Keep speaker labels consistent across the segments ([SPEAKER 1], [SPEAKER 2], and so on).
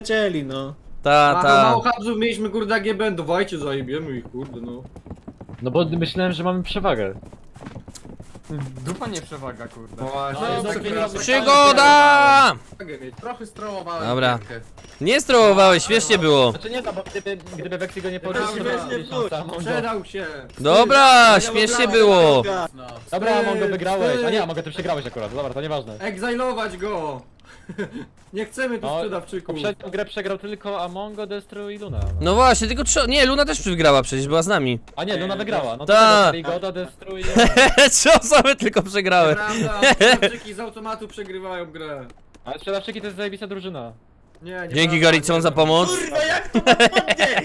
[SPEAKER 1] Cieli, no.
[SPEAKER 2] Mało habzów mieliśmy, kurde, AGB, dawajcie, zajebiemy ich, kurde, no.
[SPEAKER 3] No bo myślałem, że mamy przewagę.
[SPEAKER 4] Dupa nie przewaga, kurde.
[SPEAKER 5] Przygoda!
[SPEAKER 6] Trochę strołowałem.
[SPEAKER 5] Dobra. Nie strołowałeś, śmiesznie było.
[SPEAKER 3] Znaczy nie, no bo gdyby Weksy go nie poruszył, to
[SPEAKER 1] śmiesznie
[SPEAKER 3] byś tam sam Mongo.
[SPEAKER 2] Przedał się.
[SPEAKER 5] Dobra, śmiesznie było.
[SPEAKER 6] No.
[SPEAKER 3] Dobra, Mongo wygrałeś. A nie, Mongo ty przegrałeś akurat, dobra, to nieważne.
[SPEAKER 2] Egzajlować go! Nie chcemy tu
[SPEAKER 3] No,
[SPEAKER 2] sprzedawczyków.
[SPEAKER 3] Poprzednią grę przegrał tylko Amongo, Destru i Luna.
[SPEAKER 5] No właśnie, tylko nie, Luna też wygrała przecież, była z nami.
[SPEAKER 3] A nie, Luna wygrała. No
[SPEAKER 5] Ta.
[SPEAKER 3] to Goda, Destru i...
[SPEAKER 5] Trzy osoby tylko przegrały.
[SPEAKER 2] Prawda, sprzedawczyki z automatu przegrywają grę.
[SPEAKER 3] Ale sprzedawczyki to jest zajebista drużyna.
[SPEAKER 2] Nie,
[SPEAKER 5] Dzięki Garicon za pomoc.
[SPEAKER 1] Kurwa, jak to mam podnieść?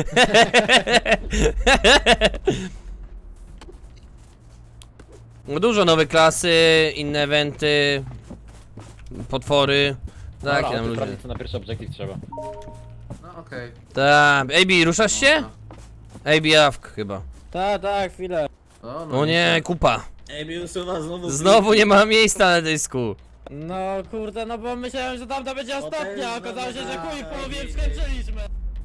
[SPEAKER 5] Dużo nowe klasy, inne eventy, potwory. Tak,
[SPEAKER 3] Dobra,
[SPEAKER 5] nam
[SPEAKER 3] to
[SPEAKER 5] ludzie.
[SPEAKER 3] sprawdzić, co na pierwszy obiektyw trzeba.
[SPEAKER 6] No okej.
[SPEAKER 5] Tak, AB, ruszasz się? AB Awk chyba.
[SPEAKER 7] Tak, chwilę.
[SPEAKER 5] O nie, kupa.
[SPEAKER 1] Ej, usuwa znowu.
[SPEAKER 5] Znowu nie ma miejsca na dysku.
[SPEAKER 7] No kurde, no bo myślałem, że tamta będzie ostatnia, a okazało się, że chuj, w połowie skończyliśmy.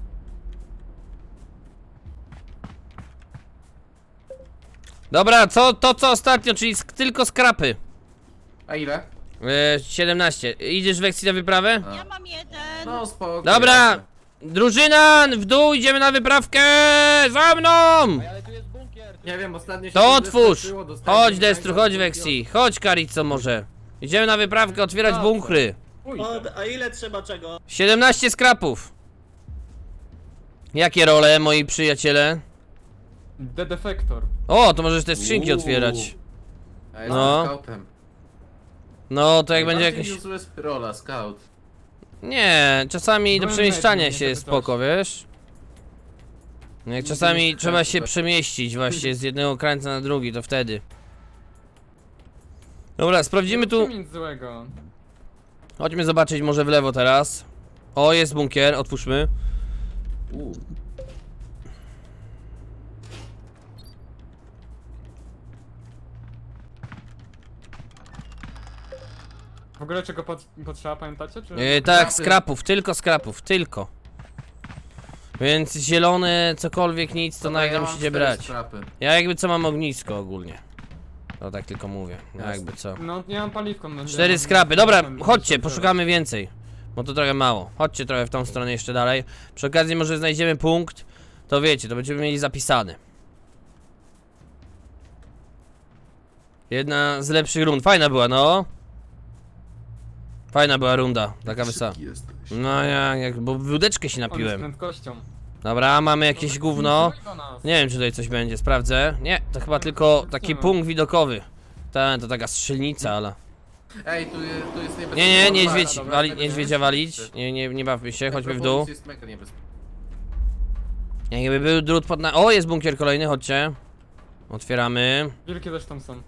[SPEAKER 5] Dobra, co ostatnio, czyli tylko skrapy.
[SPEAKER 6] A ile?
[SPEAKER 5] 17. Idziesz Weksy na wyprawę?
[SPEAKER 6] A.
[SPEAKER 8] Ja mam jeden.
[SPEAKER 6] No spoko.
[SPEAKER 5] Dobra! Drużyna, w dół, idziemy na wyprawkę! Za mną!
[SPEAKER 3] Ale tu jest bunkier!
[SPEAKER 2] Nie wiem, ostatnio się
[SPEAKER 5] To
[SPEAKER 2] tu
[SPEAKER 5] otwórz!
[SPEAKER 2] wystarczyło, dostałem
[SPEAKER 5] Chodź
[SPEAKER 2] jeden
[SPEAKER 5] Destru,
[SPEAKER 2] egzam,
[SPEAKER 5] chodź Weksy, chodź Karico może. Idziemy na wyprawkę otwierać bunkry.
[SPEAKER 1] A ile trzeba czego?
[SPEAKER 5] 17 skrapów. Jakie role, moi przyjaciele?
[SPEAKER 4] The Defector.
[SPEAKER 5] O, to możesz te skrzynki otwierać.
[SPEAKER 6] A
[SPEAKER 5] No.
[SPEAKER 6] jestem scoutem.
[SPEAKER 5] No, to jak będzie
[SPEAKER 6] Bardziej
[SPEAKER 5] jakieś...
[SPEAKER 6] useless rola, scout.
[SPEAKER 5] Nie, czasami do
[SPEAKER 4] Byłem
[SPEAKER 5] przemieszczania
[SPEAKER 4] lepiej,
[SPEAKER 5] się
[SPEAKER 4] nie
[SPEAKER 5] jest
[SPEAKER 4] zapytałeś.
[SPEAKER 5] spoko, wiesz? Jak czasami trzeba się przemieścić właśnie z jednego krańca na drugi, to wtedy. Dobra, sprawdzimy tu.
[SPEAKER 4] Nic złego.
[SPEAKER 5] Chodźmy zobaczyć może w lewo teraz. O, jest bunkier, otwórzmy.
[SPEAKER 4] W ogóle czego potrzeba, pamiętacie? Czy...
[SPEAKER 5] Tak, skrapów, tylko. Więc zielone, cokolwiek, nic, to
[SPEAKER 6] Dobra,
[SPEAKER 5] nagle
[SPEAKER 6] mam
[SPEAKER 5] musicie
[SPEAKER 6] 4
[SPEAKER 5] brać.
[SPEAKER 6] strapy.
[SPEAKER 5] Ja jakby co mam ognisko ogólnie. To tak tylko mówię, jakby co.
[SPEAKER 4] No, nie mam paliwką. No,
[SPEAKER 5] 4 skrapy, dobra, chodźcie, poszukamy więcej. Bo to trochę mało. Chodźcie trochę w tą stronę jeszcze dalej. Przy okazji może znajdziemy punkt. To wiecie, to będziemy mieli zapisane. Jedna z lepszych rund, fajna była, no. Fajna była runda, taka wesoła. No bo wódeczkę się
[SPEAKER 4] On z
[SPEAKER 5] napiłem.
[SPEAKER 4] prędkością.
[SPEAKER 5] Dobra, mamy jakieś gówno.
[SPEAKER 4] Do nas.
[SPEAKER 5] Nie wiem, czy tutaj coś będzie, sprawdzę. Nie, to chyba tylko taki punkt widokowy. To taka strzelnica, ale...
[SPEAKER 6] Ej, tu jest niebezpieczne.
[SPEAKER 5] Nie, niedźwiedź,
[SPEAKER 6] Dobra,
[SPEAKER 5] niedźwiedzia walić. Nie bawmy się, chodźmy w dół.
[SPEAKER 6] Pomóc jest mega niebezpieczny.
[SPEAKER 5] Jakby był drut pod na... O, jest bunkier kolejny, chodźcie. Otwieramy.
[SPEAKER 4] Wielkie też tam są.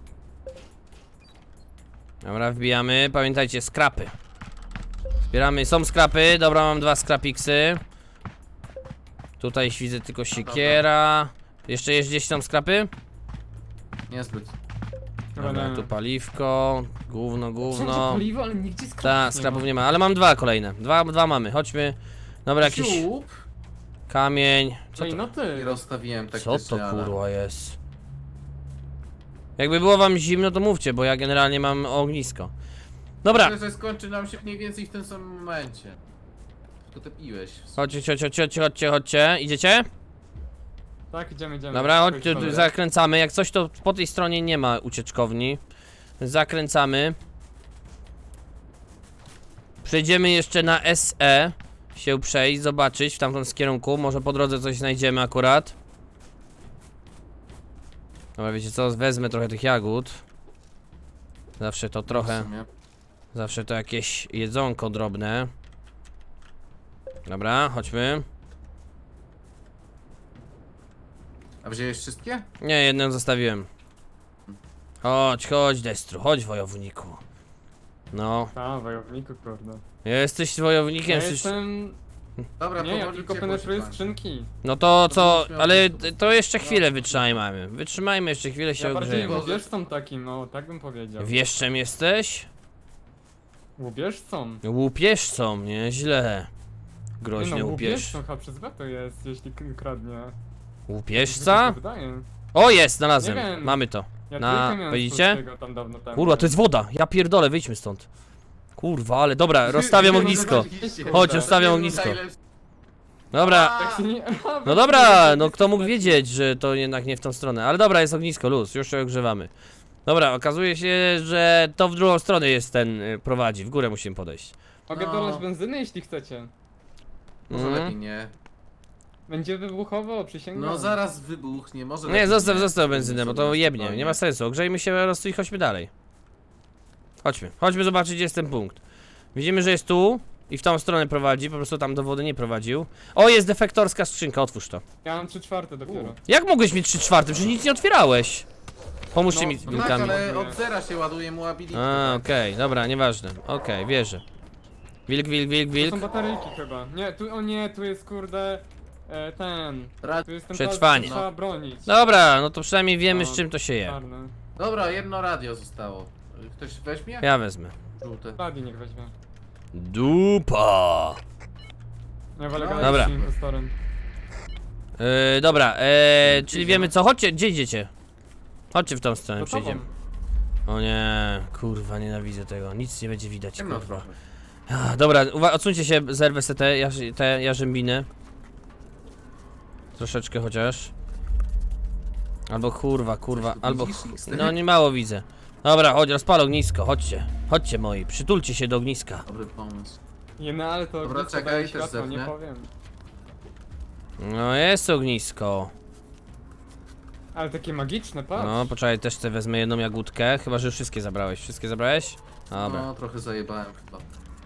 [SPEAKER 5] Dobra, wbijamy. Pamiętajcie, skrapy. Zbieramy, są skrapy. Dobra, mam 2 skrapiksy. Tutaj widzę tylko siekiera. Jeszcze jest gdzieś tam skrapy?
[SPEAKER 6] Niezbyt.
[SPEAKER 5] Dobra, tu paliwko. Gówno.
[SPEAKER 4] Wszędzie paliwo, ale nigdzie skrapów
[SPEAKER 5] Ta, skrapów nie ma, ale mam 2 kolejne. Dwa mamy, chodźmy. Dobra, jakiś
[SPEAKER 6] Siup.
[SPEAKER 5] kamień. Co
[SPEAKER 4] Ej,
[SPEAKER 5] to,
[SPEAKER 4] no
[SPEAKER 6] I
[SPEAKER 4] ty.
[SPEAKER 6] rozstawiłem tak
[SPEAKER 5] co to kurwa jest? Jakby było wam zimno, to mówcie, bo ja generalnie mam ognisko. Dobra,
[SPEAKER 6] Myślę, że skończy nam się mniej więcej w tym samym momencie. Tylko ty piłeś.
[SPEAKER 5] chodźcie. Idziecie?
[SPEAKER 4] Tak, idziemy.
[SPEAKER 5] Dobra, chodźcie, tu zakręcamy. Jak coś, to po tej stronie nie ma ucieczkowni. Zakręcamy. Przejdziemy jeszcze na SE. Się przejść, zobaczyć w tamtym kierunku. Może po drodze coś znajdziemy akurat. Dobra, wiecie co? Wezmę trochę tych jagód. Zawsze to trochę.
[SPEAKER 6] W sumie.
[SPEAKER 5] Zawsze to jakieś jedzonko drobne. Dobra, chodźmy.
[SPEAKER 6] A wziąłeś wszystkie?
[SPEAKER 5] Nie, jedną zostawiłem. Chodź, Destru, chodź wojowniku. No,
[SPEAKER 4] A, wojowniku, kurde.
[SPEAKER 5] jesteś wojownikiem,
[SPEAKER 4] Ja
[SPEAKER 5] jesteś...
[SPEAKER 4] jestem...
[SPEAKER 6] Dobra,
[SPEAKER 4] Nie, ja
[SPEAKER 6] powoli
[SPEAKER 4] tylko
[SPEAKER 6] ciepło
[SPEAKER 4] penetruję
[SPEAKER 6] się kończy.
[SPEAKER 4] skrzynki.
[SPEAKER 5] No to co,
[SPEAKER 6] będziesz miał
[SPEAKER 5] ale
[SPEAKER 6] wszystko.
[SPEAKER 5] to jeszcze chwilę wytrzymajmy. Wytrzymajmy jeszcze chwilę, się
[SPEAKER 4] Ja bardziej
[SPEAKER 5] ogrzejemy.
[SPEAKER 4] łubieżcą takim, no, tak bym powiedział.
[SPEAKER 5] Wieszczem jesteś?
[SPEAKER 4] Łubieżcą.
[SPEAKER 5] Łupieżcą, nieźle. Groźny łupież.
[SPEAKER 4] łupieżcą chyba przez B to jest, jeśli kradnie.
[SPEAKER 5] Łupieżca?
[SPEAKER 4] Wydaje.
[SPEAKER 5] O, jest, znalazłem.
[SPEAKER 4] Nie wiem.
[SPEAKER 5] Mamy to.
[SPEAKER 4] Ja
[SPEAKER 5] Na-
[SPEAKER 4] trójkę miałem
[SPEAKER 5] widzicie?
[SPEAKER 4] z Polskiego tam dawno temu.
[SPEAKER 5] Kurwa, to jest woda. Ja pierdolę, wyjdźmy stąd. Kurwa, ale dobra, rozstawiam ognisko. Chodź, rozstawiam ognisko. Dobra.
[SPEAKER 4] Tak się nie...
[SPEAKER 5] No dobra, no kto mógł wiedzieć, że to jednak nie w tą stronę. Ale dobra, jest ognisko, luz, już się ogrzewamy. Dobra, okazuje się, że to w drugą stronę jest ten, prowadzi. W górę musimy podejść.
[SPEAKER 4] Mogę
[SPEAKER 6] No.
[SPEAKER 4] dolać benzyny, jeśli chcecie.
[SPEAKER 6] Może
[SPEAKER 5] Mhm.
[SPEAKER 6] lepiej nie.
[SPEAKER 4] Będzie wybuchowo, przysięgam.
[SPEAKER 6] No zaraz wybuchnie, może
[SPEAKER 5] Nie,
[SPEAKER 6] lepiej
[SPEAKER 5] zostaw benzynę, bo to jebnie, nie ma sensu. Ogrzejmy się po prostu i chodźmy dalej. Chodźmy zobaczyć, gdzie jest ten punkt. Widzimy, że jest tu i w tą stronę prowadzi, po prostu tam do wody nie prowadził. O, jest defektorska skrzynka, otwórz to.
[SPEAKER 4] Ja mam 3/4 dopiero.
[SPEAKER 5] Jak mogłeś mieć 3/4? Przecież nic nie otwierałeś. Pomóżcie
[SPEAKER 4] No,
[SPEAKER 5] mi z
[SPEAKER 4] no
[SPEAKER 6] No tak,
[SPEAKER 5] wilkami.
[SPEAKER 6] ale od zera się ładuje mu ability.
[SPEAKER 5] A, okej, dobra, nieważne. Okej, wierzę. Wilk,
[SPEAKER 4] To
[SPEAKER 5] wilk.
[SPEAKER 4] są bateryjki chyba. Nie, tu, o nie, tu jest kurde... ten... Tu jest ten
[SPEAKER 5] Przetrwanie.
[SPEAKER 4] pas, trzeba bronić.
[SPEAKER 5] Dobra, no to przynajmniej wiemy,
[SPEAKER 4] No,
[SPEAKER 5] z czym to się je.
[SPEAKER 4] Czarne.
[SPEAKER 6] Dobra, jedno radio zostało. Ktoś weźmie?
[SPEAKER 5] Ja wezmę.
[SPEAKER 6] Żółte.
[SPEAKER 4] Radio niech weźmie.
[SPEAKER 5] Dupa.
[SPEAKER 4] Ja wolę
[SPEAKER 6] No.
[SPEAKER 4] gadać
[SPEAKER 5] Dobra.
[SPEAKER 4] z impostorem.
[SPEAKER 5] Dobra, czyli wiemy co, chodźcie, gdzie idziecie? Chodźcie w tą stronę,
[SPEAKER 4] To tobą.
[SPEAKER 5] przejdziemy. O nie, kurwa, nienawidzę tego, nic nie będzie widać,
[SPEAKER 6] Ciemno
[SPEAKER 5] kurwa.
[SPEAKER 6] trochę.
[SPEAKER 5] Dobra, odsuńcie się, zerwę sobie te jarzębiny. Troszeczkę chociaż. Albo kurwa, albo...
[SPEAKER 6] Widzisz ich z
[SPEAKER 5] No
[SPEAKER 6] tym?
[SPEAKER 5] nie mało widzę. Dobra, chodź, rozpal ognisko, chodźcie moi, przytulcie się do ogniska.
[SPEAKER 6] Dobry pomysł.
[SPEAKER 4] Nie, no ale to
[SPEAKER 6] Dobra,
[SPEAKER 4] ognisko
[SPEAKER 6] czekaj,
[SPEAKER 4] daje
[SPEAKER 6] też
[SPEAKER 4] światło, nie
[SPEAKER 6] zepnę.
[SPEAKER 4] powiem.
[SPEAKER 5] No jest ognisko.
[SPEAKER 4] Ale takie magiczne, patrz.
[SPEAKER 5] No, poczekaj, też sobie wezmę jedną jagódkę, chyba że już wszystkie zabrałeś. Wszystkie zabrałeś? Dobra.
[SPEAKER 6] No, trochę zajebałem chyba.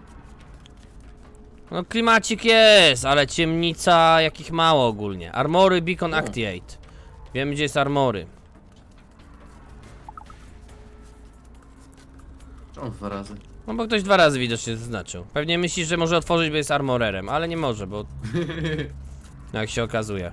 [SPEAKER 5] No klimacik jest, ale ciemnica jakich mało ogólnie. Armory Beacon Activate. Wiemy gdzie jest armory.
[SPEAKER 6] Czemu 2 razy?
[SPEAKER 5] No bo ktoś 2 razy widocznie zaznaczył. Pewnie myślisz, że może otworzyć, bo jest armorerem, ale nie może, bo... Jak się okazuje.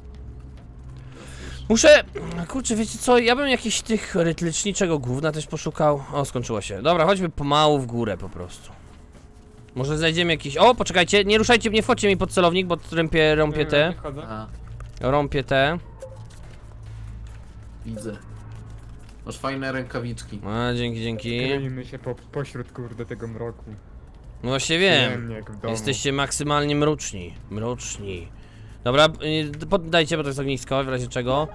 [SPEAKER 5] Muszę... Kurczę, wiecie co? Ja bym jakiś tych rytliczniczego gówna też poszukał. O, skończyło się. Dobra, chodźmy pomału w górę po prostu. Może znajdziemy jakiś... O, poczekajcie, nie ruszajcie, nie wchodźcie mi pod celownik, bo rąpię te.
[SPEAKER 4] Nie wchodzę.
[SPEAKER 6] A,
[SPEAKER 5] Rąpię te.
[SPEAKER 6] widzę. Masz fajne rękawiczki.
[SPEAKER 5] A, dzięki.
[SPEAKER 4] Kryjmy się pośród kurde tego mroku.
[SPEAKER 5] No właśnie wiem.
[SPEAKER 4] Przyjemnie jak w domu.
[SPEAKER 5] Jesteście maksymalnie mroczni. Dobra, poddajcie, bo to jest ognisko, w razie czego.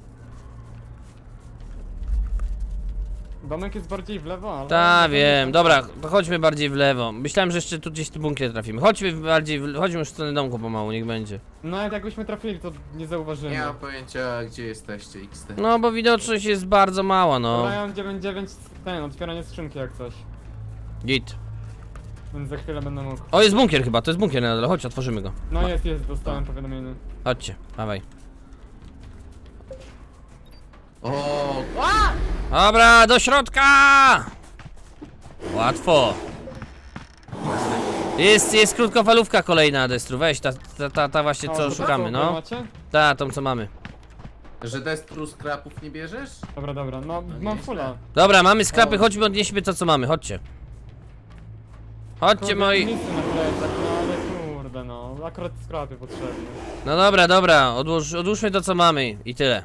[SPEAKER 4] Domek jest bardziej w lewo, ale...
[SPEAKER 5] Tak, wiem. Dobra, to chodźmy bardziej w lewo. Myślałem, że jeszcze tu gdzieś w tym bunkier trafimy. Chodźmy już w stronę domku pomału, niech będzie.
[SPEAKER 4] No ale jakbyśmy trafili, to nie zauważymy.
[SPEAKER 6] Nie mam pojęcia gdzie jesteście, XT.
[SPEAKER 5] No, bo widoczność jest bardzo mała, no.
[SPEAKER 4] Dobra, ja mam 9/9 ten, otwieranie skrzynki jak coś.
[SPEAKER 5] Git.
[SPEAKER 4] Więc za chwilę będę mógł.
[SPEAKER 5] O, jest bunkier chyba, to jest bunkier na dole, chodź, otworzymy go.
[SPEAKER 4] No jest, dostałem powiadomienie.
[SPEAKER 5] Chodźcie, dawaj.
[SPEAKER 6] O,
[SPEAKER 5] Dobra, do środka! Łatwo. Jest krótkofalówka kolejna, Destru, weź, ta właśnie
[SPEAKER 4] O,
[SPEAKER 5] co
[SPEAKER 4] to
[SPEAKER 5] szukamy,
[SPEAKER 4] co,
[SPEAKER 5] no.
[SPEAKER 4] macie?
[SPEAKER 5] Ta, tą co mamy.
[SPEAKER 6] że Destru skrapów nie bierzesz?
[SPEAKER 4] Dobra, no mam fulla.
[SPEAKER 5] Dobra, mamy skrapy, chodźmy, odnieśmy to co mamy, chodźcie. Chodźcie
[SPEAKER 4] Kurde,
[SPEAKER 5] moi...
[SPEAKER 4] Nic na plecach, no ale kurde no, akurat skrapy potrzebne.
[SPEAKER 5] No dobra, odłóżmy to co mamy i tyle.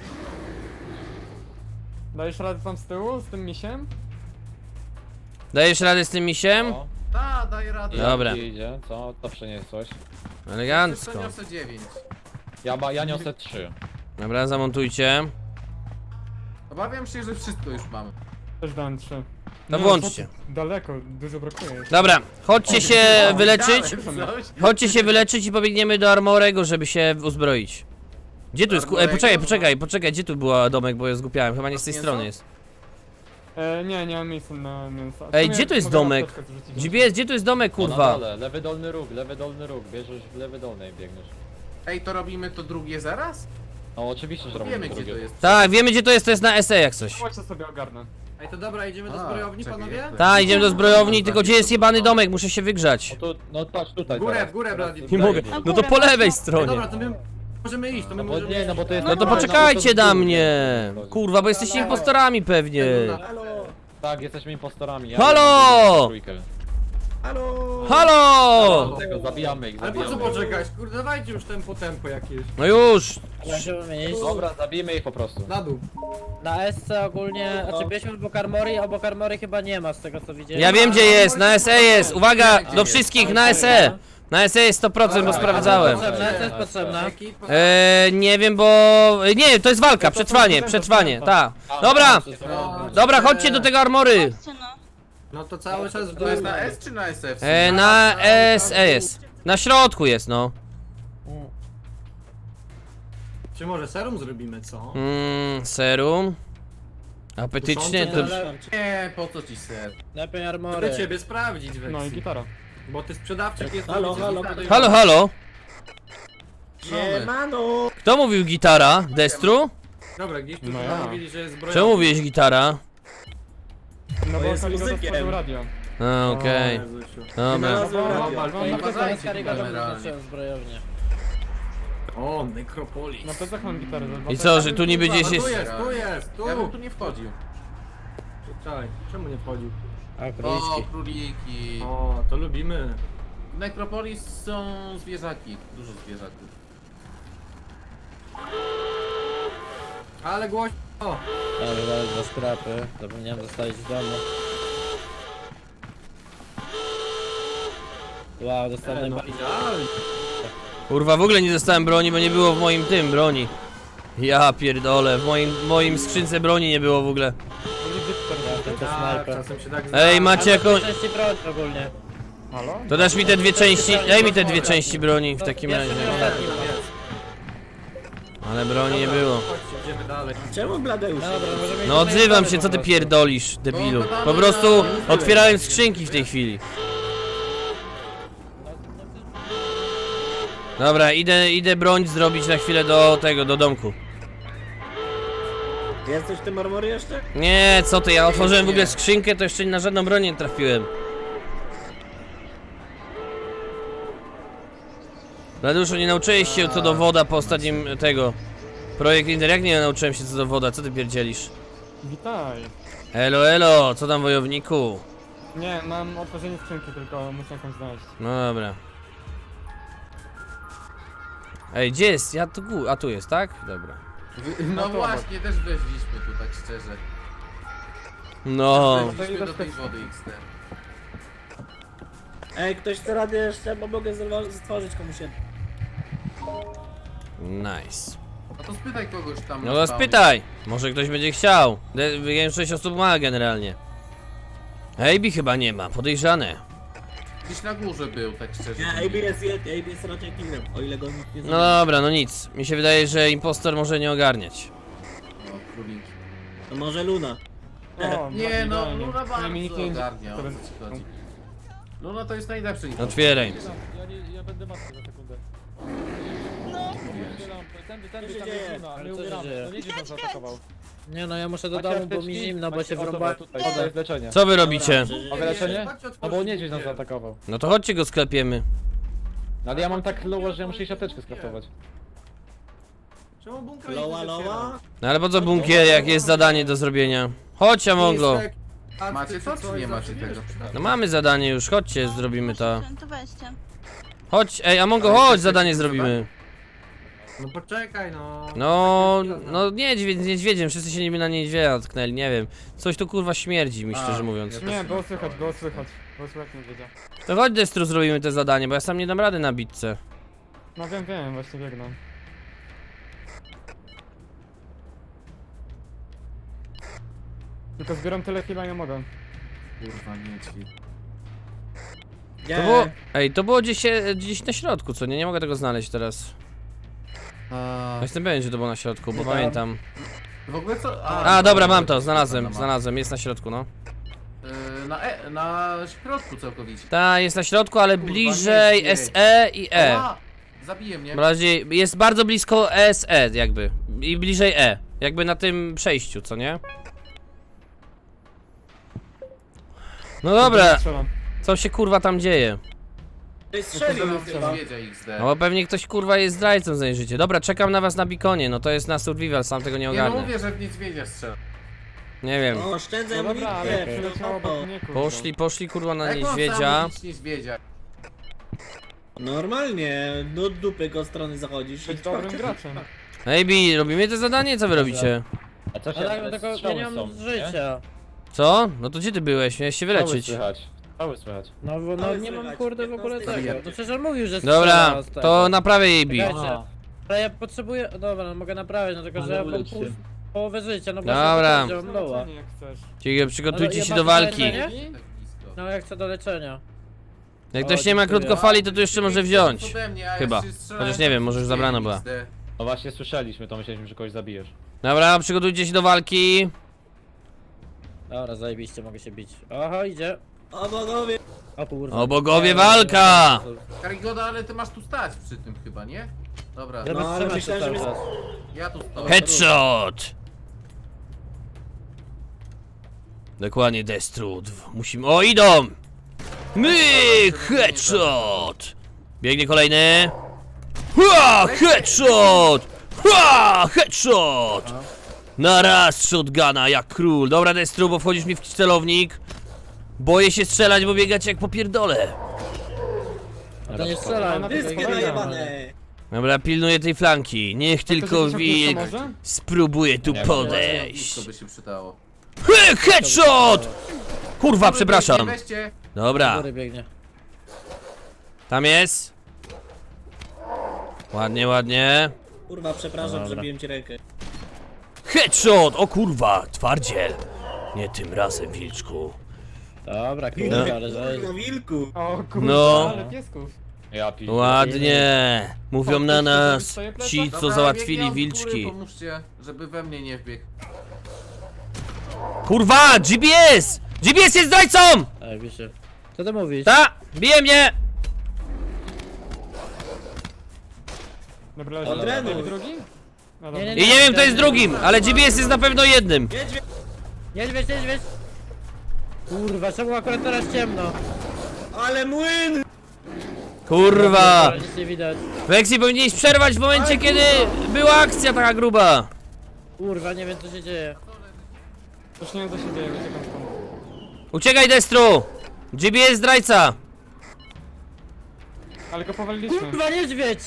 [SPEAKER 4] Dajesz radę tam z tyłu, z tym misiem?
[SPEAKER 5] Dajesz radę z tym misiem?
[SPEAKER 3] O,
[SPEAKER 6] Ta, daj radę.
[SPEAKER 5] Dobra.
[SPEAKER 3] idzie, co? To przyniosłeś.
[SPEAKER 5] Elegancko.
[SPEAKER 6] Przeniosę 9.
[SPEAKER 3] Ja niosę 3.
[SPEAKER 5] Dobra, zamontujcie.
[SPEAKER 6] Obawiam się, że wszystko już mamy.
[SPEAKER 4] Też dałem 3.
[SPEAKER 5] No
[SPEAKER 4] Nie,
[SPEAKER 5] włączcie.
[SPEAKER 4] co ty, daleko, dużo brakuje.
[SPEAKER 5] Dobra, chodźcie się wyleczyć.
[SPEAKER 6] Dałem coś.
[SPEAKER 5] Chodźcie się wyleczyć i pobiegniemy do Armorego, żeby się uzbroić. Gdzie tu jest? Poczekaj, gdzie tu była domek, bo ja zgupiałem, chyba nie z tej
[SPEAKER 6] Mięso?
[SPEAKER 5] strony jest.
[SPEAKER 4] Nie mam miejsca na mięso.
[SPEAKER 5] Ej, gdzie tu jest domek? Gdzie tu jest domek,
[SPEAKER 3] Na
[SPEAKER 5] kurwa?
[SPEAKER 3] dole, lewy dolny róg, bierzesz w lewy dolny i biegniesz.
[SPEAKER 6] Ej, to robimy to drugie zaraz?
[SPEAKER 3] No oczywiście, że robimy
[SPEAKER 6] Wiemy gdzie to
[SPEAKER 3] drugie.
[SPEAKER 6] jest.
[SPEAKER 5] Tak, wiemy gdzie to jest na SE jak coś.
[SPEAKER 4] Chodźcie sobie ogarnę.
[SPEAKER 2] Ej, to dobra, idziemy do
[SPEAKER 6] A,
[SPEAKER 2] zbrojowni,
[SPEAKER 6] czekaj,
[SPEAKER 2] panowie?
[SPEAKER 6] jak to
[SPEAKER 5] Tak, idziemy do zbrojowni, tylko gdzie jest jebany domek, muszę się wygrzać.
[SPEAKER 3] No tu, no patrz tutaj
[SPEAKER 2] W górę,
[SPEAKER 3] teraz.
[SPEAKER 2] w górę,
[SPEAKER 3] Teraz
[SPEAKER 2] Blady.
[SPEAKER 3] tutaj
[SPEAKER 5] Nie mogę,
[SPEAKER 3] biegniesz.
[SPEAKER 5] no to po lewej
[SPEAKER 2] Ej,
[SPEAKER 5] stronie.
[SPEAKER 2] dobra, to my możemy iść, to my
[SPEAKER 3] No bo
[SPEAKER 2] możemy
[SPEAKER 3] nie, no bo to jest...
[SPEAKER 5] No to
[SPEAKER 3] no,
[SPEAKER 5] poczekajcie
[SPEAKER 3] no to
[SPEAKER 5] na
[SPEAKER 3] z góry.
[SPEAKER 5] mnie. Kurwa, bo jesteście impostorami pewnie.
[SPEAKER 3] Tak, jesteśmy impostorami. Ja
[SPEAKER 5] Halo!
[SPEAKER 3] mam trójkę.
[SPEAKER 1] Halo!
[SPEAKER 5] Halo!
[SPEAKER 3] Tego, zabijamy ich,
[SPEAKER 2] Ale po co
[SPEAKER 3] zabijamy.
[SPEAKER 2] poczekać? Kurde, dawajcie już tempo jakieś.
[SPEAKER 5] No już!
[SPEAKER 7] Ja się wymienić.
[SPEAKER 3] Dobra, zabijmy ich po prostu.
[SPEAKER 2] Na dół.
[SPEAKER 7] Na SC ogólnie, znaczy byliśmy obok Armory chyba nie ma z tego co widziałem.
[SPEAKER 5] Ja wiem gdzie jest, na SE jest! Uwaga! Do wszystkich, na SE! Na SE jest 100%, bo sprawdzałem.
[SPEAKER 7] Potrzebne, co jest potrzebne?
[SPEAKER 5] Nie wiem, bo... Nie, to jest walka, przetrwanie, ta. Dobra! Dobra, chodźcie do tego armory!
[SPEAKER 2] No to cały czas w
[SPEAKER 6] To
[SPEAKER 2] dół.
[SPEAKER 6] jest na S czy na SF?
[SPEAKER 5] Na SE jest. Na środku jest, no.
[SPEAKER 2] Czy może serum zrobimy, co?
[SPEAKER 5] Serum. Apetycznie to...
[SPEAKER 6] Nie, po co ci ser?
[SPEAKER 7] Lepiej Armory.
[SPEAKER 2] Chcę ciebie sprawdzić, Weksy.
[SPEAKER 4] No i gitara.
[SPEAKER 2] Bo ty sprzedawczyk jest...
[SPEAKER 1] Halo, halo,
[SPEAKER 5] Halo, halo?
[SPEAKER 1] Siemano!
[SPEAKER 5] Kto mówił gitara? Destru?
[SPEAKER 2] Dobra, gdzieś tu
[SPEAKER 4] No ja.
[SPEAKER 2] mówili, że jest zbroja.
[SPEAKER 5] Czemu mówiłeś gitara?
[SPEAKER 4] No bo
[SPEAKER 1] jest
[SPEAKER 4] Kaligo
[SPEAKER 1] muzykiem.
[SPEAKER 4] stworzył radio.
[SPEAKER 5] A, okej. Dobra.
[SPEAKER 1] Znalazłem
[SPEAKER 2] No,
[SPEAKER 1] radio.
[SPEAKER 7] Zamiast Karigoda wyznaczyłem zbrojownię.
[SPEAKER 2] O, Necropolis.
[SPEAKER 4] Na plecach mam gitarę.
[SPEAKER 5] I co, że tu niby gdzieś
[SPEAKER 2] No,
[SPEAKER 5] jest...
[SPEAKER 2] tu
[SPEAKER 6] Ja bym
[SPEAKER 2] jest.
[SPEAKER 6] tu nie wchodził.
[SPEAKER 2] Czekaj, czemu nie wchodził?
[SPEAKER 7] A
[SPEAKER 6] O,
[SPEAKER 7] króliczki.
[SPEAKER 6] króliki.
[SPEAKER 2] O, to lubimy.
[SPEAKER 6] W Necropolis są zwierzaki. Dużo zwierzaków.
[SPEAKER 2] Ale głośno. O,
[SPEAKER 7] Dobra, dwa skrapy. Zapomniałem zostawić w domu. Wow, dostałem
[SPEAKER 2] no idealnie.
[SPEAKER 5] Kurwa, w ogóle nie dostałem broni, bo nie było w moim tym broni. Ja pierdolę, w moim skrzynce broni nie było w ogóle.
[SPEAKER 7] to
[SPEAKER 2] Tak,
[SPEAKER 7] snajper.
[SPEAKER 2] czasem się tak
[SPEAKER 5] Ej, macie jaką...
[SPEAKER 7] Części broń ogólnie.
[SPEAKER 4] Halo?
[SPEAKER 5] To dasz mi te dwie części, daj mi te dwie części broni w takim razie.
[SPEAKER 7] Ostatni.
[SPEAKER 5] Ale broni nie było.
[SPEAKER 2] Chodźcie, idziemy dalej.
[SPEAKER 1] Czemu Bladeusz?
[SPEAKER 7] No dobra, możemy
[SPEAKER 5] No odzywam się, co ty pierdolisz, debilu. Po prostu otwierałem skrzynki w tej chwili. Dobra, idę broń zrobić na chwilę do tego, do domku.
[SPEAKER 1] Jesteś w tym armory jeszcze?
[SPEAKER 5] Nie, co ty, ja otworzyłem w ogóle skrzynkę, to jeszcze na żadną broń nie trafiłem. Raduszu, nie nauczyłeś się co do woda po ostatnim tego. Projekt Inter, jak nie nauczyłem się co do woda, co ty pierdzielisz?
[SPEAKER 4] Witaj.
[SPEAKER 5] Elo, elo, co tam wojowniku?
[SPEAKER 4] Nie, mam otworzenie skrzynki, tylko muszę jakąś znaleźć.
[SPEAKER 5] No dobra. Ej, gdzie jest? Ja tu, a tu jest, tak? Dobra.
[SPEAKER 6] No
[SPEAKER 4] to
[SPEAKER 6] właśnie, też wleźliśmy tu, tak szczerze.
[SPEAKER 5] No.
[SPEAKER 6] Wleźliśmy do tej wody XT.
[SPEAKER 1] Ej, ktoś chce radę jeszcze, bo mogę stworzyć komuś jedno.
[SPEAKER 5] Nice.
[SPEAKER 6] No to spytaj kogoś tam.
[SPEAKER 5] No
[SPEAKER 6] na
[SPEAKER 5] to
[SPEAKER 6] spawnie.
[SPEAKER 5] spytaj. Może ktoś będzie chciał. Większość osób ma generalnie. Ejbi chyba nie ma, podejrzane.
[SPEAKER 6] Gdzieś na górze był, tak szczerze.
[SPEAKER 1] Nie, AB jest raczej killem, o ile go nikt nie
[SPEAKER 5] No
[SPEAKER 1] zabije.
[SPEAKER 5] dobra, no nic. Mi się wydaje, że impostor może nie ogarniać.
[SPEAKER 6] No, króliki.
[SPEAKER 1] To może Luna.
[SPEAKER 4] O,
[SPEAKER 6] Nie no,
[SPEAKER 4] idealnie.
[SPEAKER 6] Luna
[SPEAKER 4] Nie, mi nikt
[SPEAKER 6] bardzo
[SPEAKER 4] nie
[SPEAKER 6] ogarnia, o co
[SPEAKER 4] teraz-
[SPEAKER 6] ci chodzi. Luna to jest najlepszy impostor.
[SPEAKER 5] Otwieraj.
[SPEAKER 3] Ja będę maskę za sekundę.
[SPEAKER 1] Co się dzieje?
[SPEAKER 7] Ale co się dzieje?
[SPEAKER 3] No niedźwiedź nas zaatakował.
[SPEAKER 7] Nie no, ja muszę do
[SPEAKER 3] Macie
[SPEAKER 7] domu, bo mi
[SPEAKER 3] apteczki?
[SPEAKER 7] zimno, bo
[SPEAKER 3] Macie-
[SPEAKER 7] się
[SPEAKER 3] o, dobra,
[SPEAKER 7] wrąbałem.
[SPEAKER 3] tutaj, to jest leczenie.
[SPEAKER 5] Co wy robicie?
[SPEAKER 3] Mogę leczenie?
[SPEAKER 2] Chodźcie,
[SPEAKER 3] No bo
[SPEAKER 2] otwórzcie
[SPEAKER 3] niedźwiedź nas
[SPEAKER 2] drzwi.
[SPEAKER 3] zaatakował.
[SPEAKER 5] No to chodźcie go sklepiemy.
[SPEAKER 3] No ale ja mam tak low, że ja muszę iść apteczkę skraftować.
[SPEAKER 2] Czemu bunkra nie
[SPEAKER 1] Loła,
[SPEAKER 2] otwiera?
[SPEAKER 1] loła.
[SPEAKER 5] No ale po co bunkier, jak jest zadanie do zrobienia? Chodź, Amongo.
[SPEAKER 2] Listek, a
[SPEAKER 6] Macie
[SPEAKER 2] ty
[SPEAKER 6] to,
[SPEAKER 2] coś
[SPEAKER 6] czy nie macie
[SPEAKER 2] zawsze
[SPEAKER 6] tego?
[SPEAKER 5] No mamy zadanie już, chodźcie, zrobimy to.
[SPEAKER 8] To weźcie.
[SPEAKER 5] Chodź, ej, Amongo, chodź, zadanie zrobimy.
[SPEAKER 2] No poczekaj, no.
[SPEAKER 5] No niedźwiedziem, wszyscy się niby na niedźwiedzia tknęli, nie wiem. Coś tu kurwa śmierdzi mi, szczerze mówiąc.
[SPEAKER 6] ja
[SPEAKER 4] Nie,
[SPEAKER 6] też
[SPEAKER 4] było słychać, było słychać. Było słychać niedźwiedzia.
[SPEAKER 5] To chodź, Destru, zrobimy te zadanie, bo ja sam nie dam rady na bitce.
[SPEAKER 4] No wiem, właśnie biegnę. Tylko zbieram tyle chwila, nie mogę.
[SPEAKER 6] Kurwa, niedźwiedź.
[SPEAKER 5] To było, ej, to było gdzieś na środku, co nie? Nie mogę tego znaleźć teraz. Ja jestem pewien, że to było na środku, bo
[SPEAKER 7] Nie tam.
[SPEAKER 5] pamiętam.
[SPEAKER 6] W ogóle co?
[SPEAKER 5] A, dobra, mam to, znalazłem, jest na środku, no.
[SPEAKER 6] Na środku całkowicie.
[SPEAKER 5] Ta, jest na środku, ale
[SPEAKER 6] Kurwa,
[SPEAKER 5] bliżej
[SPEAKER 6] niedźwiedź.
[SPEAKER 5] SE i E.
[SPEAKER 6] Ała! Zabije mnie.
[SPEAKER 5] Bardziej, jest bardzo blisko SE, jakby. I bliżej E. Jakby na tym przejściu, co nie? No dobra,
[SPEAKER 4] Strzelam.
[SPEAKER 5] co się kurwa tam dzieje?
[SPEAKER 1] Strzelił nas chyba.
[SPEAKER 6] Niedźwiedzia XD.
[SPEAKER 5] No bo pewnie ktoś kurwa jest zdrajcą za jej życie. Dobra, czekam na was na bikonie, no to jest na survival, sam tego nie
[SPEAKER 6] Nie no
[SPEAKER 5] ogarnę.
[SPEAKER 6] mówię, że w niedźwiedzia strzela.
[SPEAKER 5] Nie wiem.
[SPEAKER 1] O, oszczędzaj
[SPEAKER 4] No dobra, ale
[SPEAKER 1] amunicję.
[SPEAKER 4] przyleciało obok mnie, kurwa.
[SPEAKER 5] Poszli kurwa na
[SPEAKER 6] Jak on
[SPEAKER 5] niedźwiedzia.
[SPEAKER 6] sam nic niedźwiedzia?
[SPEAKER 1] Normalnie, do dupy go strony zachodzisz.
[SPEAKER 4] Być dobrym graczem.
[SPEAKER 5] Ej, Bi, robimy to zadanie? Co wy robicie?
[SPEAKER 3] A co się...
[SPEAKER 7] Ale tak, tylko ja
[SPEAKER 3] strzały
[SPEAKER 7] nie mam
[SPEAKER 3] są, nie?
[SPEAKER 7] życia.
[SPEAKER 5] Co? No to gdzie ty byłeś? Miałeś się
[SPEAKER 3] Strzały
[SPEAKER 5] wyleczyć.
[SPEAKER 3] słychać. Strzały słychać.
[SPEAKER 7] No, bo, no
[SPEAKER 1] Ale
[SPEAKER 7] nie mam
[SPEAKER 1] słychać,
[SPEAKER 7] kurde w ogóle
[SPEAKER 1] 15
[SPEAKER 7] tego. No przecież on mówił, że
[SPEAKER 5] Dobra,
[SPEAKER 7] strzela z tego.
[SPEAKER 5] to naprawię jej Bi.
[SPEAKER 7] Czekajcie. Ale ja potrzebuję... Dobra, no mogę naprawić, no tylko że ja mam połowę życia, no właśnie
[SPEAKER 5] Dobra.
[SPEAKER 7] to powiedziałem, loa.
[SPEAKER 4] Leczenie jak chcesz.
[SPEAKER 5] Ciekawe, przygotujcie
[SPEAKER 7] Ale
[SPEAKER 5] się
[SPEAKER 7] ja
[SPEAKER 5] do
[SPEAKER 7] mam
[SPEAKER 5] walki.
[SPEAKER 7] leczenie?
[SPEAKER 6] Tak blisko.
[SPEAKER 7] No ja chcę do leczenia.
[SPEAKER 5] Jak
[SPEAKER 7] O,
[SPEAKER 5] ktoś nie ma
[SPEAKER 7] dziękuję.
[SPEAKER 5] krótkofali, to tu jeszcze może wziąć.
[SPEAKER 6] Ode mnie, a
[SPEAKER 5] Chyba.
[SPEAKER 6] ja się strzelałem
[SPEAKER 5] Chociaż nie wiem, może już zabrana była.
[SPEAKER 6] XD.
[SPEAKER 3] No właśnie słyszeliśmy, to myśleliśmy, że kogoś zabijesz.
[SPEAKER 5] Dobra, przygotujcie się do walki.
[SPEAKER 7] Dobra, zajebiście, mogę się bić. Oho, idzie.
[SPEAKER 1] O bogowie.
[SPEAKER 7] O kurwa.
[SPEAKER 5] O bogowie, walka!
[SPEAKER 6] Karigoda, ale ty masz tu stać przy tym chyba, nie? Dobra,
[SPEAKER 7] Ja
[SPEAKER 1] No, ale
[SPEAKER 7] wytrzymam się
[SPEAKER 1] myślałem,
[SPEAKER 7] cały
[SPEAKER 1] że
[SPEAKER 7] czas.
[SPEAKER 6] ja tu stoję.
[SPEAKER 5] Headshot! Dokładnie, Destrud. Musimy... O, idą! Headshot! Biegnie kolejny. Hua! Headshot! Hua! Headshot! Na raz shotguna, jak król. Dobra, Destru, bo wchodzisz mi w celownik. Boję się strzelać, bo biegać jak popierdolę.
[SPEAKER 7] A to nie strzelaj.
[SPEAKER 4] Ona
[SPEAKER 1] Dyskie
[SPEAKER 4] Kolejna.
[SPEAKER 1] najebane.
[SPEAKER 5] Dobra, pilnuję tej flanki. Niech tylko wilk
[SPEAKER 4] Może?
[SPEAKER 5] spróbuje tu
[SPEAKER 6] Blisko
[SPEAKER 5] podejść.
[SPEAKER 6] by się przydało.
[SPEAKER 5] Headshot! Kurwa, przepraszam.
[SPEAKER 6] Weźcie.
[SPEAKER 5] Dobra,
[SPEAKER 7] Góry biegnie.
[SPEAKER 5] tam jest. Ładnie, ładnie.
[SPEAKER 1] Kurwa, przepraszam,
[SPEAKER 7] Dobra.
[SPEAKER 1] przebiłem ci rękę.
[SPEAKER 5] Headshot! O kurwa, twardziel. Nie tym razem, wilczku.
[SPEAKER 7] Dobra, kurwa, ale
[SPEAKER 1] Kurwa, wilku.
[SPEAKER 4] O kurwa,
[SPEAKER 5] No.
[SPEAKER 4] ale piesków.
[SPEAKER 3] Ja piszę.
[SPEAKER 5] Ładnie. Mówią na nas ci, co
[SPEAKER 6] Dobra,
[SPEAKER 5] załatwili
[SPEAKER 6] biegnie od góry,
[SPEAKER 5] wilczki.
[SPEAKER 6] Pomóżcie, żeby we mnie nie wbiegł.
[SPEAKER 5] Kurwa, GPS! GPS jest zdrajcą!
[SPEAKER 7] Zajebiście. Co ty mówisz?
[SPEAKER 5] Ta! Bije mnie!
[SPEAKER 4] Dobra,
[SPEAKER 1] Od
[SPEAKER 4] leży.
[SPEAKER 1] Renu.
[SPEAKER 4] Drugi? No dobra.
[SPEAKER 7] Nie,
[SPEAKER 5] I nie wiem, kto jest drugim, ale GPS jest na pewno jednym.
[SPEAKER 1] Niedźwiedź.
[SPEAKER 7] Niedźwiedź, niedźwiedź! Kurwa, czemu akurat teraz ciemno?
[SPEAKER 1] Ale młyn!
[SPEAKER 5] Kurwa!
[SPEAKER 7] Ale nic nie widać.
[SPEAKER 5] Weksy, powinieneś przerwać w momencie, kiedy była akcja taka gruba.
[SPEAKER 7] Kurwa, nie wiem co się dzieje.
[SPEAKER 4] Już nie wiem co się dzieje, uciekam stąd.
[SPEAKER 5] Uciekaj, Destru! GPS zdrajca!
[SPEAKER 4] Ale go powaliliśmy.
[SPEAKER 7] Kurwa, niedźwiedź!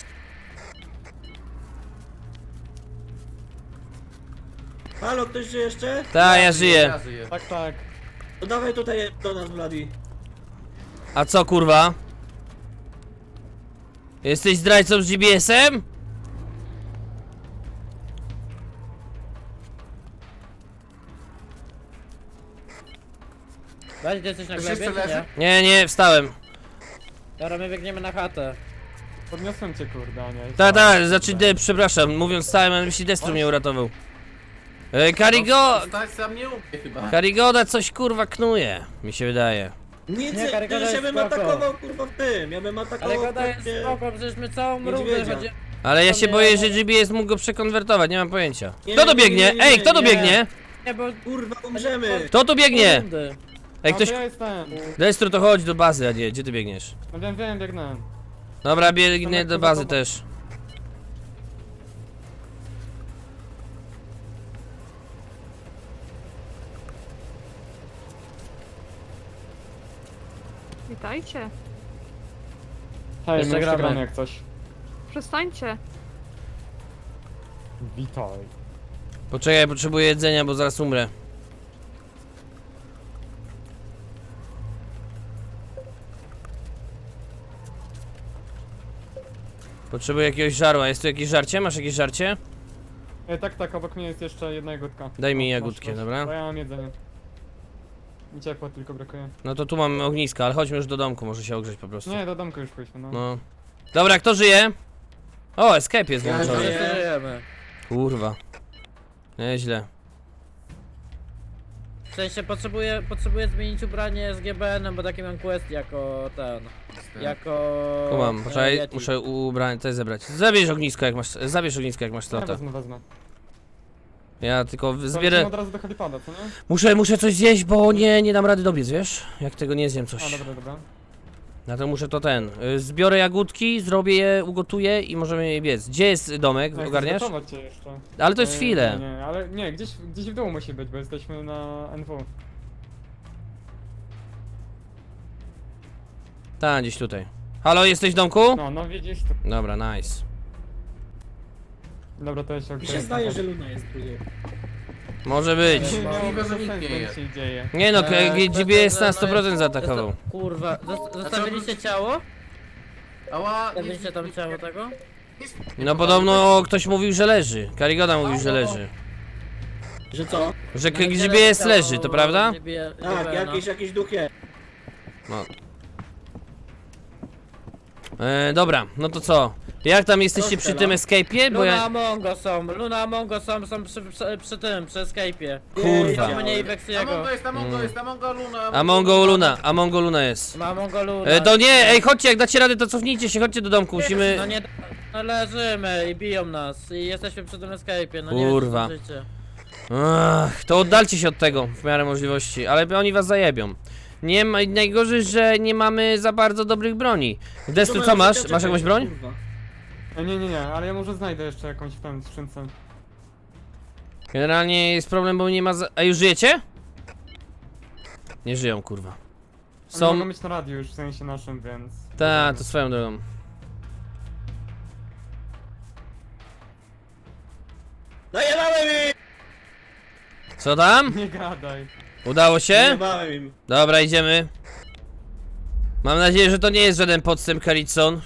[SPEAKER 1] Halo, ktoś żyje jeszcze?
[SPEAKER 5] Ta, ja żyję.
[SPEAKER 6] Ja żyję.
[SPEAKER 4] Tak, tak.
[SPEAKER 1] To dawaj tutaj do nas, Bloody.
[SPEAKER 5] A co, kurwa? Jesteś zdrajcą z GPS-em?
[SPEAKER 7] Dajcie, ty jesteś na
[SPEAKER 6] Ktoś
[SPEAKER 7] glebie,
[SPEAKER 6] jeszcze
[SPEAKER 7] czy nie?
[SPEAKER 6] leży?
[SPEAKER 5] Nie, nie, wstałem.
[SPEAKER 7] Dobra, my biegniemy na chatę.
[SPEAKER 4] Podniosłem cię kurde, a nie.
[SPEAKER 5] Znaczy, przepraszam, mówiąc stałem, ale myśli Destru mnie uratował.
[SPEAKER 6] Stać sam nie umie chyba.
[SPEAKER 5] Karigoda coś kurwa knuje, mi się wydaje.
[SPEAKER 1] Nic,
[SPEAKER 7] Nie,
[SPEAKER 1] nie,
[SPEAKER 7] Karygoda
[SPEAKER 1] ja
[SPEAKER 7] jest
[SPEAKER 1] bym
[SPEAKER 7] spoko.
[SPEAKER 1] atakował, kurwa, w tym. Ja bym atakował
[SPEAKER 7] Ale gada jest
[SPEAKER 1] pewnie-
[SPEAKER 7] spoko, przecież my całą rundę
[SPEAKER 1] Niedźwiedzia.
[SPEAKER 7] chodzi...
[SPEAKER 5] Ale ja się
[SPEAKER 7] Nie,
[SPEAKER 5] boję,
[SPEAKER 7] ja-
[SPEAKER 5] że GPS mógł go przekonwertować, nie mam pojęcia.
[SPEAKER 1] Nie,
[SPEAKER 5] Kto tu
[SPEAKER 1] nie, nie,
[SPEAKER 5] biegnie?
[SPEAKER 1] nie,
[SPEAKER 5] Ej,
[SPEAKER 1] nie,
[SPEAKER 5] kto tu
[SPEAKER 1] nie.
[SPEAKER 5] biegnie?
[SPEAKER 7] Nie, bo...
[SPEAKER 1] Kurwa, umrzemy.
[SPEAKER 5] Kto tu biegnie?
[SPEAKER 7] Rundy.
[SPEAKER 5] Ej, ktoś...
[SPEAKER 4] To ja jestem.
[SPEAKER 5] Destru, to chodź do bazy, a nie, gdzie ty biegniesz?
[SPEAKER 4] No wiem, biegnę.
[SPEAKER 5] Dobra, biegnę do bazy też.
[SPEAKER 8] Witajcie.
[SPEAKER 4] Hej, my
[SPEAKER 7] Jeszcze
[SPEAKER 4] jeszcze
[SPEAKER 7] gramy.
[SPEAKER 4] gramy jak coś.
[SPEAKER 8] Przestańcie.
[SPEAKER 4] Witaj.
[SPEAKER 5] Poczekaj, potrzebuję jedzenia, bo zaraz umrę. Potrzebuję jakiegoś żarła. Jest tu jakieś żarcie? Masz jakieś żarcie?
[SPEAKER 4] Tak, obok mnie jest jeszcze jedna jagódka.
[SPEAKER 5] Daj mi
[SPEAKER 4] Masz,
[SPEAKER 5] jagódkę,
[SPEAKER 4] masz.
[SPEAKER 5] dobra?
[SPEAKER 4] To ja mam jedzenie. Mi ciepła tylko brakuje.
[SPEAKER 5] No to tu mamy ogniska, ale chodźmy już do domku, może się ogrzeć po prostu.
[SPEAKER 4] Nie, do domku już pójdźmy, no.
[SPEAKER 5] No. Dobra, kto żyje? O, escape jest
[SPEAKER 1] Ja
[SPEAKER 5] włączony.
[SPEAKER 1] żyję.
[SPEAKER 7] Wszyscy żyjemy.
[SPEAKER 5] Kurwa. Nieźle.
[SPEAKER 7] W sensie potrzebuję zmienić ubranie z GBN-em, bo taki mam quest jako ten... Jako...
[SPEAKER 5] Kumam, poczekaj,
[SPEAKER 7] Yeti.
[SPEAKER 5] muszę ubranie też zebrać. Zabierz ognisko jak masz
[SPEAKER 4] Ja
[SPEAKER 5] slota.
[SPEAKER 4] wezmę.
[SPEAKER 5] Ja tylko
[SPEAKER 4] To
[SPEAKER 5] zbierę...
[SPEAKER 4] lecimy od razu do helipada, co nie?
[SPEAKER 5] Muszę coś zjeść, bo nie dam rady dobiec, wiesz? Jak tego nie zjem coś.
[SPEAKER 4] A, dobra.
[SPEAKER 5] Ja to muszę to zbiorę jagódki, zrobię je, ugotuję i możemy je biec. Gdzie jest domek?
[SPEAKER 4] Jak
[SPEAKER 5] Ogarniasz?
[SPEAKER 4] zgotować cię jeszcze.
[SPEAKER 5] Ale to jest chwilę.
[SPEAKER 4] Nie, ale nie, gdzieś w dół musi być, bo jesteśmy na NW.
[SPEAKER 5] Tak, gdzieś tutaj. Halo, jesteś w domku?
[SPEAKER 4] No widzisz to.
[SPEAKER 5] Dobra, nice.
[SPEAKER 4] Dobra, to jeszcze
[SPEAKER 1] Mi się zdaje, że Luna jest drugie.
[SPEAKER 5] Może być.
[SPEAKER 6] Możliwe, że nikt nie jest.
[SPEAKER 4] się dzieje.
[SPEAKER 5] Nie no, GBS na
[SPEAKER 7] to-
[SPEAKER 5] 100% zaatakował.
[SPEAKER 7] Kurwa, zostawiliście ciało?
[SPEAKER 6] Ała,
[SPEAKER 7] Zostawiliście tam ciało tego?
[SPEAKER 5] No podobno ktoś mówił, że leży. Karigoda mówił, że leży.
[SPEAKER 1] Że co?
[SPEAKER 5] Że GBS leży, to prawda?
[SPEAKER 1] Tak, jakiś duch jest.
[SPEAKER 5] No. Dobra, no to co? Jak tam jesteście przy tym escape'ie? Bo
[SPEAKER 7] Luna
[SPEAKER 5] ja...
[SPEAKER 7] Amongo są, Luna Amongo są przy tym, przy escape'ie.
[SPEAKER 5] Kurwa.
[SPEAKER 7] Są mnie i Vexiego.
[SPEAKER 6] Amongo jest, Amongo Luna.
[SPEAKER 5] Amongo Luna jest.
[SPEAKER 7] Ma Amongo Luna.
[SPEAKER 5] To nie, ej, chodźcie, jak dacie radę, to cofnijcie się, chodźcie do domku, musimy...
[SPEAKER 7] No nie, no leżymy i biją nas i jesteśmy przy tym escape'ie, no
[SPEAKER 5] Kurwa.
[SPEAKER 7] nie wiem, co życie.
[SPEAKER 5] Ach, to oddalcie się od tego, w miarę możliwości, ale oni was zajebią. Nie ma, najgorzej, że nie mamy za bardzo dobrych broni. Destru, co masz? Masz jakąś broń?
[SPEAKER 1] Kurwa.
[SPEAKER 4] Nie, ale ja może znajdę jeszcze jakąś w tym skrzynce.
[SPEAKER 5] Generalnie jest problem, bo nie ma A już żyjecie? Nie żyją, kurwa.
[SPEAKER 4] Są...
[SPEAKER 5] Są...
[SPEAKER 4] Mogą być na radiu już, w sensie naszym, więc...
[SPEAKER 5] Ta, to swoją drogą.
[SPEAKER 1] Najebałem im!
[SPEAKER 5] Co tam?
[SPEAKER 4] Nie gadaj.
[SPEAKER 5] Udało się?
[SPEAKER 1] Najebałem im.
[SPEAKER 5] Dobra, idziemy. Mam nadzieję, że to nie jest żaden podstęp, Karitson.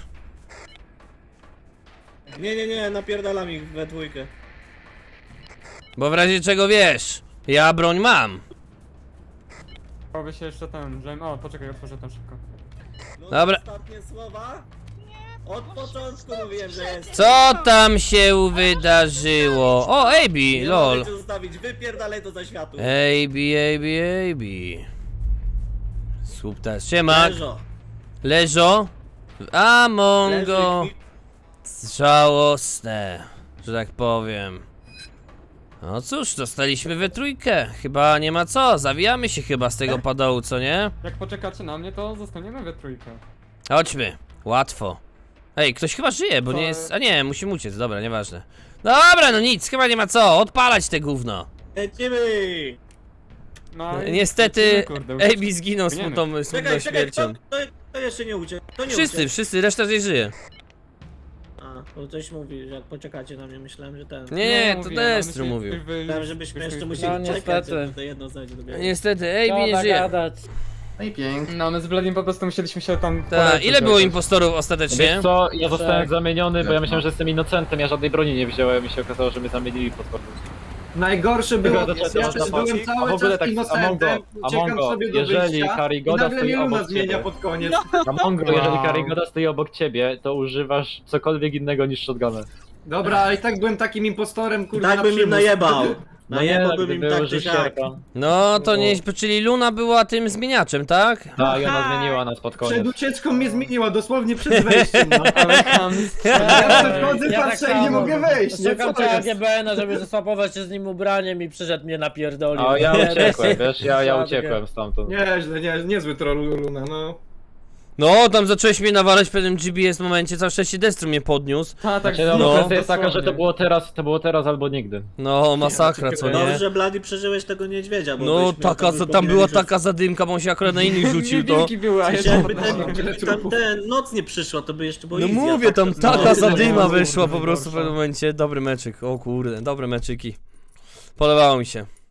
[SPEAKER 1] Nie, napierdalam ich we dwójkę.
[SPEAKER 5] Bo w razie czego wiesz, ja broń mam.
[SPEAKER 4] Chciałby się jeszcze ten, o, poczekaj, otworzę ten szybko.
[SPEAKER 1] No,
[SPEAKER 5] Dobra.
[SPEAKER 1] Ostatnie słowa? Od początku mówiłem, że jest.
[SPEAKER 5] Co tam się wydarzyło? O, AB,
[SPEAKER 1] Nie
[SPEAKER 5] lol.
[SPEAKER 1] możecie zostawić, wypierdalaj to za światło.
[SPEAKER 5] AB. Słupta, siema.
[SPEAKER 1] Leżo.
[SPEAKER 5] Leżo. Amongo.
[SPEAKER 1] Leży
[SPEAKER 5] Żałosne, że tak powiem. No cóż, dostaliśmy we trójkę. Chyba nie ma co, zawijamy się chyba z tego padołu, co nie?
[SPEAKER 4] Jak poczekacie na mnie, to zostaniemy we trójkę.
[SPEAKER 5] Chodźmy, łatwo. Ej, ktoś chyba żyje, bo
[SPEAKER 4] Co?
[SPEAKER 5] nie jest... A nie, musimy uciec, dobra, nieważne. Dobra, no nic, chyba nie ma co, odpalać te gówno.
[SPEAKER 1] Lecimy!
[SPEAKER 4] No, i
[SPEAKER 5] Niestety,
[SPEAKER 4] lecimy, kurde,
[SPEAKER 5] AB zginął
[SPEAKER 4] Płyniemy.
[SPEAKER 5] smutną
[SPEAKER 1] Czekaj,
[SPEAKER 5] śmiercią.
[SPEAKER 1] to jeszcze nie uciekł. To nie
[SPEAKER 5] Wszyscy,
[SPEAKER 1] uciekł.
[SPEAKER 5] wszyscy, reszta nie żyje.
[SPEAKER 1] A, bo ktoś mówi, że jak poczekacie na mnie, myślałem, że ten.
[SPEAKER 5] Nie, to
[SPEAKER 4] mówiłem,
[SPEAKER 5] Destru
[SPEAKER 4] ale
[SPEAKER 5] mówił.
[SPEAKER 1] Myślałem, żebyśmy jeszcze
[SPEAKER 7] No,
[SPEAKER 1] musieli czekać,
[SPEAKER 7] niestety.
[SPEAKER 1] żeby to jedno znajdzie do biegu.
[SPEAKER 5] Niestety, AB nie
[SPEAKER 7] Szkoda
[SPEAKER 5] żyje.
[SPEAKER 7] gadać.
[SPEAKER 6] No i pięknie.
[SPEAKER 4] No, my z Bladim po prostu musieliśmy się tam...
[SPEAKER 5] Ta,
[SPEAKER 4] poleczyć
[SPEAKER 5] ile było
[SPEAKER 4] jakoś.
[SPEAKER 5] impostorów ostatecznie?
[SPEAKER 3] Wiesz co, ja zostałem
[SPEAKER 7] Tak.
[SPEAKER 3] zamieniony, bo ja myślałem, że jestem innocentem, ja żadnej broni nie wziąłem i się okazało, że mnie zamienili pod korpus.
[SPEAKER 2] Najgorsze było,
[SPEAKER 3] Dobra,
[SPEAKER 2] ja
[SPEAKER 3] dobra,
[SPEAKER 2] też
[SPEAKER 3] dobra.
[SPEAKER 2] byłem
[SPEAKER 3] A
[SPEAKER 2] cały
[SPEAKER 3] w ogóle
[SPEAKER 2] czas
[SPEAKER 3] tak,
[SPEAKER 2] innocentem, uciekam
[SPEAKER 3] Amongo,
[SPEAKER 2] sobie do
[SPEAKER 3] jeżeli
[SPEAKER 2] wyjścia i
[SPEAKER 3] Karigoda
[SPEAKER 2] nagle
[SPEAKER 3] stoi
[SPEAKER 2] mnie Luna
[SPEAKER 3] obok
[SPEAKER 2] zmienia
[SPEAKER 3] ciebie.
[SPEAKER 2] pod koniec.
[SPEAKER 3] Amongo, jeżeli
[SPEAKER 4] Wow.
[SPEAKER 3] Karigoda stoi obok ciebie, to używasz cokolwiek innego niż shotguna.
[SPEAKER 2] Dobra, ale i tak byłem takim impostorem, kurde,
[SPEAKER 1] Tak
[SPEAKER 2] na
[SPEAKER 1] bym im
[SPEAKER 2] przymus.
[SPEAKER 1] najebał.
[SPEAKER 3] No
[SPEAKER 1] Najebałbym
[SPEAKER 3] gdyby
[SPEAKER 1] im tak czy
[SPEAKER 3] użył
[SPEAKER 1] siak.
[SPEAKER 3] sierpa.
[SPEAKER 5] No, to nie... Czyli Luna była tym zmieniaczem, tak?
[SPEAKER 3] Tak, i ona zmieniła nas pod
[SPEAKER 2] Przed
[SPEAKER 3] koniec.
[SPEAKER 2] ucieczką mnie zmieniła, dosłownie przed wejściem, no.
[SPEAKER 4] Ale tam...
[SPEAKER 2] Ja podchodzę,
[SPEAKER 7] Ja
[SPEAKER 2] patrzę
[SPEAKER 7] tak
[SPEAKER 2] i nie
[SPEAKER 7] samo.
[SPEAKER 2] mogę wejść, nie?
[SPEAKER 7] Szukam
[SPEAKER 2] Co to
[SPEAKER 7] ciała
[SPEAKER 2] jest?
[SPEAKER 7] GBN-a, żeby zaswapować się z nim ubraniem i przyszedł mnie napierdolił.
[SPEAKER 3] A ja uciekłem, wiesz, ja
[SPEAKER 7] Żadne.
[SPEAKER 3] uciekłem stamtąd.
[SPEAKER 2] Nieźle, niezły troll Luna, no.
[SPEAKER 5] No, tam zacząłeś mnie nawalać w pewnym GBS momencie, całe szczęście Destru mnie podniósł.
[SPEAKER 4] Tak,
[SPEAKER 3] Znaczy, no,
[SPEAKER 5] No.
[SPEAKER 3] kwestia jest taka, że to było teraz albo nigdy.
[SPEAKER 5] No, masakra, co nie?
[SPEAKER 1] Dobrze, że Blady przeżyłeś tego niedźwiedzia, bo
[SPEAKER 5] No,
[SPEAKER 1] byś miał
[SPEAKER 5] taka,
[SPEAKER 1] taką
[SPEAKER 5] tam była
[SPEAKER 1] kombinę, że-
[SPEAKER 5] taka zadymka, bo on się akurat na innych rzucił, to...
[SPEAKER 4] Niewinki były, a
[SPEAKER 1] Że
[SPEAKER 4] ja
[SPEAKER 1] jakby
[SPEAKER 4] tam...
[SPEAKER 1] ten noc nie przyszła, to by jeszcze było
[SPEAKER 5] No
[SPEAKER 1] easy, a
[SPEAKER 5] mówię,
[SPEAKER 1] tak
[SPEAKER 5] tam
[SPEAKER 1] to-
[SPEAKER 5] taka
[SPEAKER 1] no,
[SPEAKER 5] zadyma
[SPEAKER 4] no,
[SPEAKER 5] wyszła
[SPEAKER 4] no,
[SPEAKER 5] po prostu w
[SPEAKER 4] gorsza.
[SPEAKER 5] pewnym momencie. Dobry meczyk, o kurde, dobre meczyki. Podobało mi się.